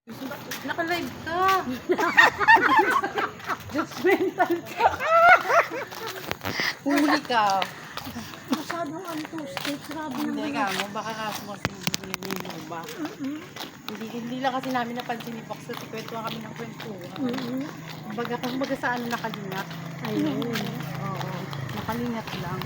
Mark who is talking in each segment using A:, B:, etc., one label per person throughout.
A: Naka-live ka. Judgmental ka. Huli ka.
B: Masyadong antustik. Grabe
A: Hindi
B: naman.
A: ka mo, baka kaso kasi hindi mo ba? Hindi lang kasi namin napansin ni Fox at kwentuhan kami ng kwentuhan. Kumbaga sa ano nakalingat.
B: Ayun.
A: Oo, nakalingat lang.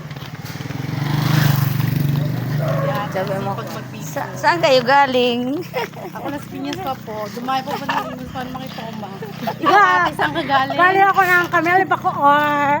C: Sabi mo,
A: pag mag-video.
C: saan kayo galing?
A: Ako na Piñas pa po. Dumayo po ba na rin saan makita ko ba? Ikaw
B: Yeah.
A: ate, saan ka galing?
B: Galing ako ng Camel Bacoor.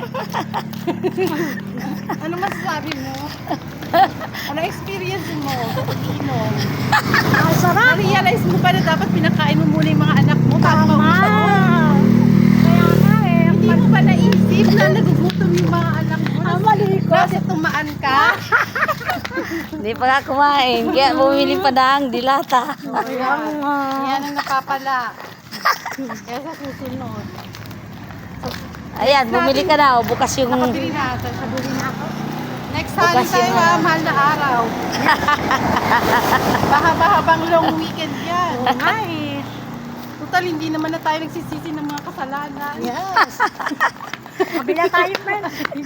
A: Ano masasabi mo? Ano experience mo? Pag-inom?
B: Ang sarap.
A: Na-realize mo ba na dapat pinakain mo muna yung mga anak mo bago
B: Tama.
A: mag-inom?
B: Kaya nga eh.
A: Hindi mo ba naisip na nagugutom yung mga anak mo?
B: Ang mali ko.
A: Kasi tumaan ka?
C: Hindi pa nga kumain, kaya bumili pa ng dilata.
B: Kaya nga.
A: Yan ang napapala. Kaya sa susunod.
C: Ayan, bumili ka na. O, bukas yung...
A: Nakabili natin.
B: Sabuli na ako.
A: Next Sunday
C: Bukas
A: tayo
C: yun
A: ha,
C: na.
A: mahal na araw. Mahaba-habang long weekend yan.
B: Oo nga eh.
A: Total, hindi naman na tayo nagsisisi ng mga kasalanan.
B: Yes. Kabila tayo, friend.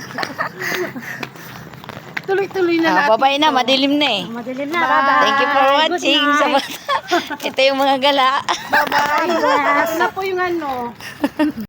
A: Tuloy-tuloy na natin.
C: Babay na,
A: to.
C: madilim na eh.
B: Madilim na.
A: Bye.
B: Bye-bye.
C: Thank you for watching.
B: Good night.
C: Ito yung mga gala.
A: Bye-bye.
B: Yes.
A: Ito na po yung ano.